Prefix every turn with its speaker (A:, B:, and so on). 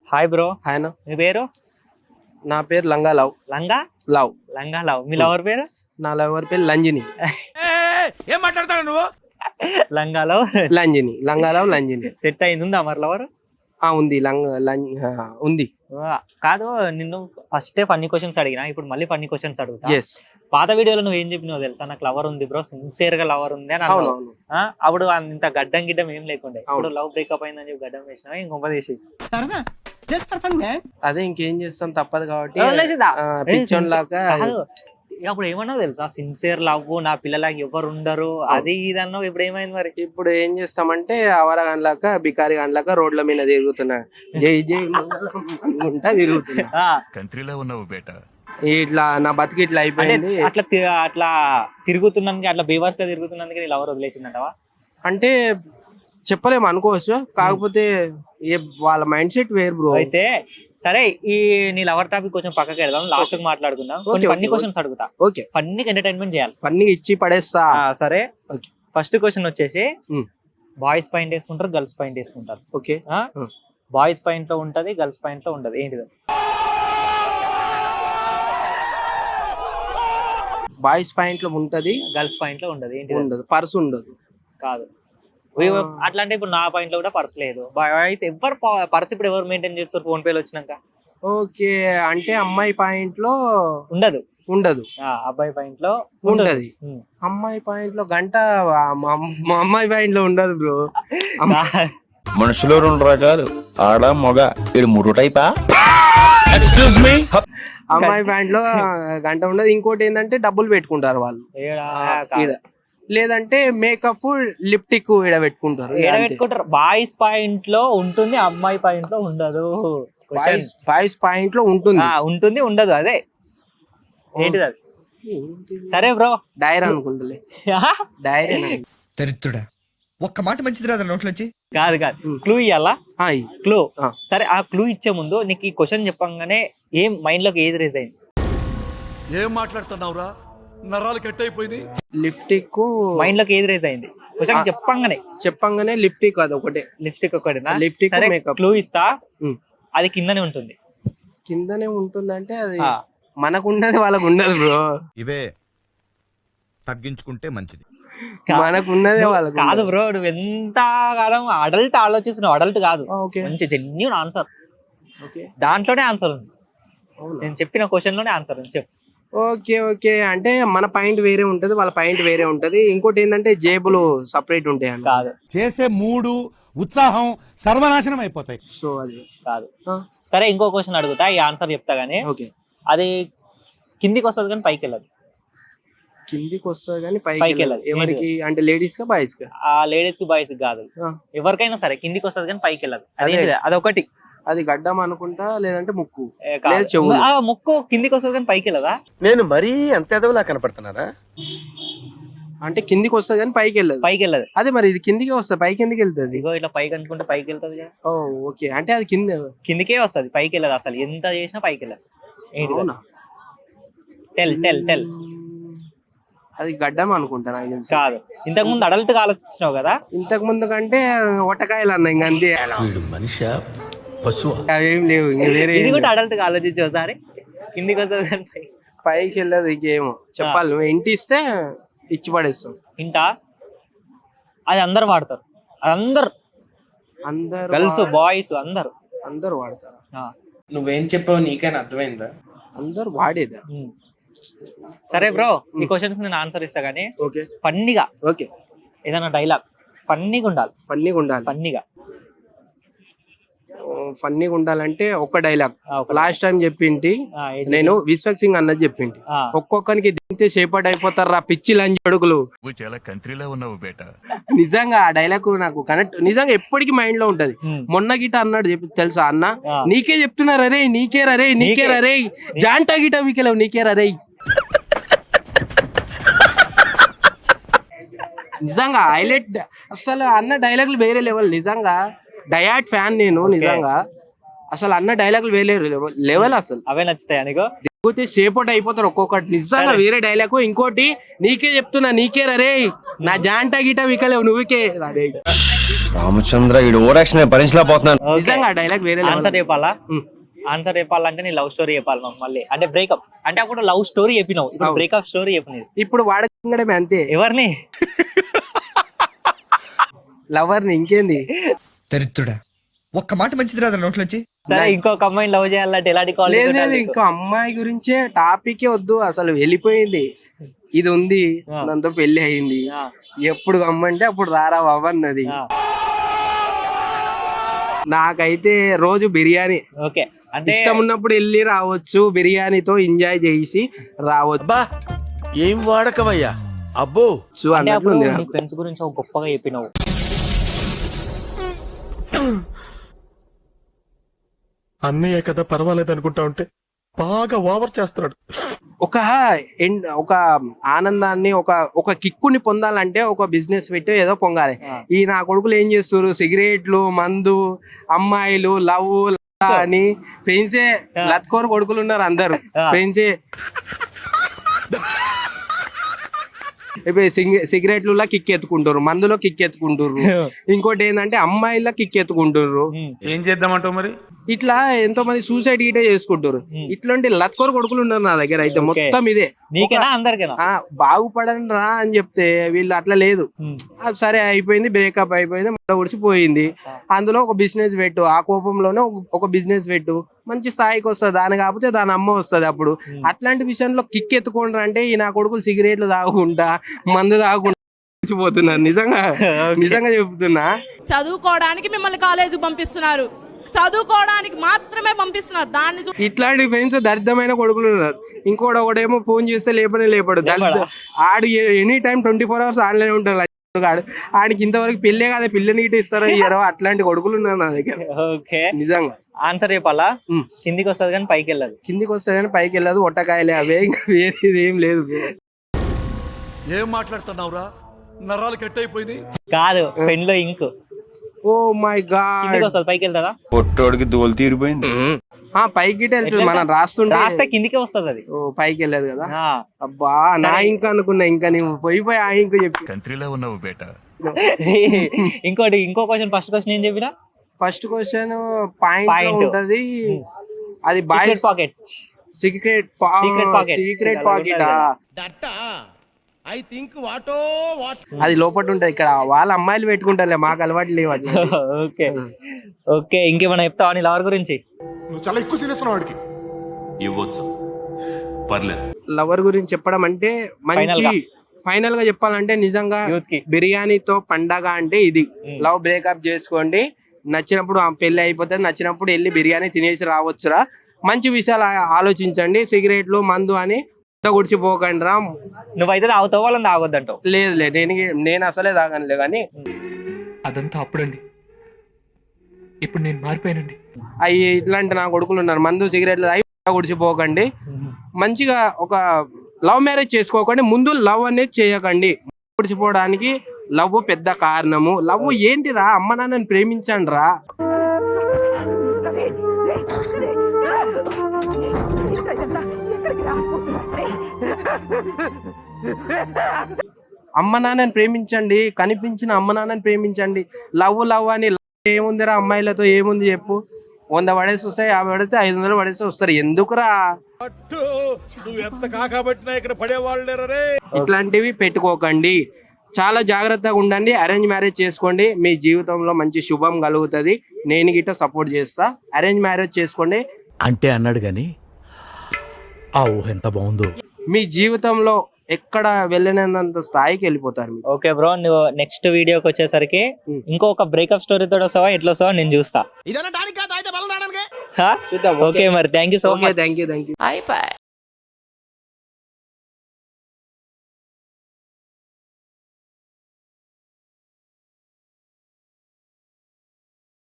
A: Hi bro.
B: Hi అన్న.
A: మీ పేరు?
B: నా పేరు లంగా లవ్.
A: లంగా
B: లవ్.
A: లంగా లవ్. మీ లవర్ పేరు?
B: నా లవర్ పేరు లంజిని.
C: ఏం మాట్లాడతాడు నువ్వు?
A: లంగా లవ్.
B: లంజిని. లంగా లవ్ లంజిని.
A: సెట్ అయింది, ఉందా మరి లవర్?
B: ఉంది ఉంది.
A: కాదు, నిన్ను ఫస్టే ఫన్నీ క్వశ్చన్స్ అడిగినా, ఇప్పుడు మళ్ళీ ఫన్నీ క్వశ్చన్స్ అడుగుతా.
B: ఎస్.
A: పాత వీడియోలో నువ్వు ఏం చెప్పినావు తెలుసా? నాకు లవర్ ఉంది బ్రో, సిన్సియర్ గా లవర్ ఉంది అని అన్నావు.
B: అవును.
A: అప్పుడు ఇంత గడ్డం గిడ్డం ఏం లేకుండే. ఇప్పుడు లవ్ బ్రేకప్ అయిందని చెప్పి గడ్డం వేసినావా ఇంకొక చేసి?
B: అదే ఇంకేం చేస్తాం, తప్పదు కాబట్టి
A: వదిలేసిదా?
B: పిచ్చోన్ లాగా.
A: కాదు, అప్పుడు ఏమన్నావు తెలుసా? సిన్సియర్ లవ్, నా పిల్లలకి ఎవరు ఉండరు, అది ఇది అన్నావు. ఇప్పుడు ఏమైంది మరి?
B: ఇప్పుడు ఏం చేస్తామంటే అవర గండ్లాక బికారి గండ్లాక రోడ్ల మీద తిరుగుతున్నా, జై జై మంగళం అనుకుంటా తిరుగుతున్నా.
C: కంట్రీలో ఉన్నావు బేటా.
B: ఇట్లా నా బతికి ఇట్లా అయిపోయింది.
A: అట్లా తిరుగుతున్నందుకు, అట్లా బేవర్స్ గా తిరుగుతున్నందుకు నీ లవర్ వదిలేసిందంటవా?
B: అంటే చెప్పలేము, అనుకోవచ్చు. కాకపోతే వాళ్ళ మైండ్ సెట్ వేరు బ్రో.
A: అయితే సరే, ఈ నీ లవర్ టాపిక్ కొంచెం పక్కకి వెళ్దాం, లాస్ట్ కి మాట్లాడుకుందాం. కొన్ని ఫన్నీ క్వశ్చన్స్ అడుగుతా.
B: ఓకే.
A: ఫన్నీకి ఎంటర్టైన్మెంట్ చేయాలి.
B: ఫన్నీ ఇచ్చి పడేస్తా.
A: సరే,
B: ఓకే.
A: ఫస్ట్ క్వశ్చన్ వచ్చేసి, బాయ్స్ పాయింట్ వేసుకుంటారు, గర్ల్స్ పాయింట్ వేసుకుంటారు.
B: ఓకే.
A: బాయ్స్ పాయింట్ లో ఉంటది, గర్ల్స్ పాయింట్ లో ఉండదు, ఏంటిది?
B: బాయ్స్ పాయింట్ లో ఉంటది,
A: గర్ల్స్ పాయింట్ లో ఉండదు, ఏంటి?
B: ఉండదు. పర్స్ ఉండదు.
A: కాదు. అట్లా అంటే ఇప్పుడు నా పాయింట్ లో కూడా పర్స్ లేదు. బాయ్స్ ఎవరు పర్స్ ఇప్పుడు ఎవరు మెయింటైన్ చేస్తారు ఫోన్ పేలు వచ్చినాక?
B: ఓకే. అంటే అమ్మాయి పాయింట్ లో
A: ఉండదు.
B: ఉండదు.
A: అబ్బాయి పాయింట్ లో
B: ఉంటది. అమ్మాయి పాయింట్ లో గంట, మా అమ్మాయి పాయింట్ లో ఉండదు బ్రో.
D: మనుషులు రెండు రకాలు, ఆడ మొగ. ఇది మూడు టైపా? Excuse me.
B: అమ్మాయి పాయింట్ లో గంట ఉండదు. ఇంకోటి ఏంటంటే డబ్బులు పెట్టుకుంటారు వాళ్ళు ఈడ. లేదంటే మేకప్, లిప్టిక్ ఈడ పెట్టుకుంటారు.
A: బాయ్స్ పాయింట్ లో ఉంటుంది, అమ్మాయి పాయింట్ లో ఉండదు.
B: బాయ్స్ పాయింట్ లో ఉంటుంది,
A: ఉంటుంది ఉండదు, అదే ఏంటిది అది? సరే బ్రో,
B: డైరీ అనుకుంటలే. డైరీ.
E: దరిద్రుడా, ఒక్క మాట మంచిది రాదు నోట్లోంచి.
A: కాదు, క్లూ ఇయ్యాలా? క్లూ. సరే, ఆ క్లూ ఇచ్చే ముందు నీకు ఈ క్వశ్చన్ చెప్పంగానే ఏం మైండ్ లోకి ఏది రేజ్ అయింది?
C: ఏం మాట్లాడుతున్నావురా? నరాలు కట్ అయిపోయింది.
B: లిప్స్టిక్
A: మైండ్ లోకి ఏది రేజ్ అయింది? క్వశ్చన్ చెప్పంగానే
B: లిప్స్టిక్ అదొకటే.
A: లిప్స్టిక్ ఒకటేనా?
B: Lipstick, makeup.
A: క్లూ ఇస్తా, అది కిందనే ఉంటుంది.
B: కిందనే ఉంటుందంటే అది మనకు ఉన్నది వాళ్ళకు ఉండదు బ్రో.
D: ఇవే తగ్గించుకుంటే మంచిది.
B: మనకు ఉన్నదే వాళ్ళకు
A: కాదు బ్రో. నువ్వు ఎంత కాలం అడల్ట్ ఆలోచిస్తున్నావు, అడల్ట్ కాదు. మంచి జెన్యూన్ ఆన్సర్, దాంట్లోనే ఆన్సర్ ఉంది. నేను చెప్పిన క్వశ్చన్ లోనే ఆన్సర్ ఉంది, చెప్పు.
B: ఓకే. అంటే మన పాయింట్ వేరే ఉంటది, వాళ్ళ పాయింట్ వేరే ఉంటది. ఇంకోటి ఏంటంటే జేబులు సపరేట్ ఉంటాయి అని.
A: కాదు.
F: చేసే మూడు ఉత్సాహం సర్వనాశనం అయిపోతాయి.
B: సో అది
A: కాదు. సరే, ఇంకో క్వశ్చన్ అడుగుతా, ఈ ఆన్సర్ చెప్తా గానీ.
B: ఓకే.
A: అది కిందికి వస్తుంది కానీ పైకి వెళ్ళదు.
B: కిందికి వస్తుంది కానీ పైకి వెళ్ళదు. ఎవరికి అంటే లేడీస్ కా బాయ్స్ కా?
A: లేడీస్ కి బాయ్స్ కాదు, ఎవరికైనా సరే కిందికి వస్తుంది కానీ పైకి వెళ్ళదు. అదొకటి.
B: అది గడ్డం అనుకుంటా, లేదంటే ముక్కు.
A: ముక్కు కిందికి వస్తుంది కానీ పైకి వెళ్ళదా?
D: నేను మరీ అంత ఎదవలా కనపడుతున్నారా?
B: అంటే కిందికి వస్తుంది కానీ పైకి వెళ్ళదు. అదే మరి ఇది కిందికి వస్తుంది, పైకి ఎందుకు వెళ్తుంది?
A: ఇగో ఇట్లా పైకి అనుకుంటే పైకి వెళ్తుంది.
B: ఓకే. అంటే అది
A: కిందికే వస్తుంది, పైకి వెళ్ళదు. అసలు ఎంత చేసినా పైకి వెళ్ళదు. టెల్.
B: అది గడ్డం అనుకుంటా, నాకు తెలుసు.
A: కాదు. ఇంతకు ముందు అడల్ట్ గా ఆలోచించినావు కదా.
B: ఇంతకు ముందు కంటే ఒట్టకాయలు అన్నా, ఇంక అంతే. అవేం లేవు, వేరే.
A: ఇది కూడా అడల్ట్ గా ఆలోచించు ఒకసారి. కిందికి వస్తుంది కానీ
B: పైకి వెళ్ళదు. ఇంకేమో చెప్పాలి. నువ్వు ఇంటి ఇస్తే ఇచ్చి పడేస్తాం.
A: ఇంటా? అది అందరు వాడతారు. అది అందరు గర్ల్స్, బాయ్స్ అందరు
B: వాడతారు. నువ్వేం చెప్పావు నీకైనా అర్థమైందా? అందరు వాడేదా?
A: సరే బ్రో, ఈ క్వశ్చన్స్ నేను ఆన్సర్ ఇస్తా గానీ.
B: ఓకే.
A: ఫన్నీగా.
B: ఓకే.
A: ఏదైనా డైలాగ్ ఫన్నీగా ఉండాలి.
B: ఫన్నీగా ఉండాలంటే ఒక్క డైలాగ్ లాస్ట్ టైం చెప్పింటి నేను, విశ్వక్ సింగ్ అన్నది చెప్పింటి. ఒక్కొక్కరికి దింతే సేపటి అయిపోతారు రా పిచ్చి లంచి అడుగులు.
C: చాలా కంట్రీలో ఉన్నావు బేటా.
B: నిజంగా ఆ డైలాగ్ నాకు కనెక్ట్, నిజంగా ఎప్పటికీ మైండ్ లో ఉంటది. మొన్న గిట అన్నాడు తెలుసా అన్న, నీకే చెప్తున్నారు అరే, నీకే రరే జాంటా గిట మీకెళ్ళవు, నీకే రరే. నిజంగా హైలైట్. అసలు అన్న డైలాగులు వేరే లెవెల్. నిజంగా డయాట్ ఫ్యాన్ నేను. నిజంగా అసలు అన్న డైలాగులు వేరే లెవెల్. అసలు
A: అవే నచ్చుతాయి నీకు?
B: దిగితే సేపటి అయిపోతారు ఒక్కొక్కటి. నిజంగా వేరే డైలాగ్. ఇంకోటి, నీకే చెప్తున్నా, నీకే రరే నా జాంటా గిట వికలేవు, నువ్వుకే రరే.
D: రామచంద్ర ఈ ఓరాక్షన్ భరించలేకపోతున్నాను.
B: నిజంగా డైలాగ్ వేరే
A: ఆన్సర్ చెప్పాలా? ఆన్సర్ చెప్పాలంటే నీ లవ్ స్టోరీ చెప్పాలి మాకు మళ్ళీ. అంటే బ్రేకప్ అంటే అప్పుడు లవ్ స్టోరీ చెప్పినావు, ఇప్పుడు బ్రేకప్ స్టోరీ చెప్పినది.
B: ఇప్పుడు వాడకడమే అంతే.
A: ఎవరిని?
B: లవర్ ని. ఇంకేంది
E: దరిద్రుడా, ఒక్క మాట మంచిది రాదు నోట్లోంచి.
A: సరే ఇంకొక అమ్మాయిని లవ్ చేయాలంటే ఎలాంటి కాల్?
B: లేదు ఇంకో అమ్మాయి గురించే టాపిక్ వద్దు అసలు, వెళ్ళిపోయింది. ఇది ఉంది, దాంతో పెళ్లి అయింది. ఎప్పుడు అమ్మంటే అప్పుడు రారా బాబు అన్నది. నాకైతే రోజు బిర్యానీ
A: ఓకే అంటే
B: ఇష్టం ఉన్నప్పుడు వెళ్ళి రావచ్చు, బిర్యానీతో ఎంజాయ్ చేసి రావచ్చు.
C: ఏం వాడకమయ్యా అబ్బో
B: అన్నట్లు ఉంది.
A: ఫ్రెండ్స్ గురించి ఒక గొప్పగా చెప్పినావు.
C: అన్నయ్య కదా పర్వాలేదు అనుకుంటా ఉంటే బాగా ఓవర్ చేస్తున్నాడు.
B: ఒక ఆనందాన్ని ఒక కిక్కుని పొందాలంటే ఒక బిజినెస్ పెట్టి ఏదో పొంగాలి. ఈ నా కొడుకులు ఏం చేస్తారు, సిగరెట్లు, మందు, అమ్మాయిలు, లవ్ అని ఫ్రెండ్సే లత్కోరు కొడుకులు ఉన్నారు అందరు. ఫ్రెండ్సే సిగరెట్లలో కిక్ ఎత్తుకుంటారు, మందులో కిక్ ఎత్తుకుంటారు, ఇంకోటి ఏంటంటే అమ్మాయిల కిక్ ఎత్తుకుంటారు.
F: ఏం చేద్దామంటావు మరి?
B: ఇట్లా ఎంతో మంది సూసైడ్ గిటే చేసుకుంటారు. ఇట్లాంటి లత్కోరు కొడుకులు ఉన్నారు నా దగ్గర. అయితే మొత్తం ఇదే బాగుపడని రా అని చెప్తే వీళ్ళు అట్లా లేదు. సరే అయిపోయింది, బ్రేకప్ అయిపోయింది, మళ్ళీ ఉడిసిపోయింది. అందులో ఒక బిజినెస్ పెట్టు, ఆ కోపంలోనే ఒక బిజినెస్ పెట్టు, మంచి స్థాయికి వస్తుంది. దాని కాకపోతే దాని అమ్మ వస్తుంది. అప్పుడు అట్లాంటి విషయంలో కిక్ ఎత్తుకుంటారు. అంటే ఈ నా కొడుకులు సిగరెట్లు తాగుకుంటా, మందు తాగుకుంటా పోతున్నారు. నిజంగా చెప్తున్నా.
G: చదువుకోవడానికి మిమ్మల్ని కాలేజీకి పంపిస్తున్నారు, చదువుకోవడానికి మాత్రమే పంపిస్తున్నారు. దాన్ని
B: ఇట్లాంటి ఫ్రెండ్స్ దరిద్రమైన కొడుకులు ఉన్నారు. ఇంకోటి ఒకటేమో ఫోన్ చేస్తే లేపడు. ఆడు ఎనీ టైం 24 hours ఆన్లైన్ ఉంటాడు. ఆడికి ఇంతవరకు పెళ్ళే కదా, పిల్లని ఇటు ఇస్తారో ఇయ్యారో అట్లాంటి కొడుకులు ఉన్నారు నా దగ్గర. నిజంగా
A: ఆన్సర్ చెప్పాలా? కిందికి వస్తుంది కానీ పైకి వెళ్ళదు.
B: కిందికి వస్తుంది కానీ పైకి వెళ్ళదు. ఒట్టకాయలే అవే, ఇంకా వేరేది ఏం లేదు.
C: ఏం మాట్లాడుతున్నావురా, నరాలు కట్ అయిపోయింది.
A: కాదు, పెన్ లో ఇంక్.
B: ఓ మై గాడ్,
A: వస్తుంది పైకి వెళ్తుందా?
D: పొట్టోడికి దోలు తీరిపోయింది.
B: పైకి వెళ్తుంది. మనం రాస్తే
A: కిందికే వస్తుంది అది.
B: పైకి వెళ్ళదు కదా. అబ్బా నా ఇంకా అనుకున్నా, ఇంకా నీవు పోయి ఆ ఇంక చెప్పి
C: కంట్రీలో ఉన్నావు బేటా.
A: ఇంకో క్వశ్చన్, ఫస్ట్ క్వశ్చన్ ఏం చెప్పినా?
B: ఫస్ట్ క్వశ్చన్ పాయింట్ ఉంటది. అది బాయ్
A: పాకెట్,
B: సీక్రెట్ పాకెట్. అది లోపల ఉంటది. ఇక్కడ వాళ్ళ అమ్మాయిలు పెట్టుకుంటారులే, మాకు అలవాటు లేవు.
A: ఓకే ఇంకేమైనా చెప్తావా నీ లవర్ గురించి?
C: నువ్వు చాలా ఎక్కువ సీరియస్ వాడికి ఇవ్వచ్చు. పర్లేదు.
B: లవర్ గురించి చెప్పడం అంటే మంచి ఫైనల్ గా చెప్పాలంటే నిజంగా బిర్యానీతో పండగ అంటే ఇది. లవ్ బ్రేకప్ చేసుకోండి, నచ్చినప్పుడు పెళ్లి అయిపోతుంది, నచ్చినప్పుడు వెళ్ళి బిర్యానీ తినేసి రావచ్చురా. మంచి విషయాలు ఆలోచించండి. సిగరెట్లు, మందు అని గుడిచిపోకండి రా.
A: నువ్వైతే తాగుతావు, వాళ్ళని తాగొద్దంటావు?
B: లేదు, నేను అసలే తాగనులే. కానీ
H: అదంతా అప్పుడండి, ఇప్పుడు నేను మారిపోయానండి.
B: అవి ఇట్లాంటి నా కొడుకులు ఉన్నారు. మందు, సిగరెట్లు తాగి గుడిచిపోకండి. మంచిగా ఒక లవ్ మ్యారేజ్ చేసుకోకండి. ముందు లవ్ అనేది చేయకండి. గుడిచిపోవడానికి లవ్ పెద్ద కారణము. లవ్ ఏంటిరా, అమ్మ నాన్నని ప్రేమించండి రా. అమ్మ నాన్నని ప్రేమించండి, కనిపించిన అమ్మ నాన్నని ప్రేమించండి. లవ్ అని ఏముందిరా అమ్మాయిలతో, ఏముంది చెప్పు? 100 పడేసి వస్తాయి, 50 పడేస్తే 500 పడేసి వస్తారు. ఎందుకురా ఇట్లాంటివి పెట్టుకోకండి. చాలా జాగ్రత్తగా ఉండండి. అరేంజ్ మ్యారేజ్ చేసుకోండి. మీ జీవితంలో మంచి శుభం కలుగుతుంది. నేను గిట్ట సపోర్ట్ చేస్తా. అరేంజ్ మ్యారేజ్ చేసుకోండి
I: అంటే అన్నాడు గాని ఆ ఊహ ఎంత బాగుందో.
B: మీ జీవితంలో ఎక్కడ వెళ్ళినంత స్థాయికి వెళ్ళిపోతారు.
A: ఓకే బ్రో, నువ్వు నెక్స్ట్ వీడియోకి వచ్చేసరికి ఇంకొక బ్రేకప్ స్టోరీ తోటి వస్తావా, ఎట్లా వస్తావా నేను చూస్తా. ఓకే మరి thank you so much.
B: Thank you.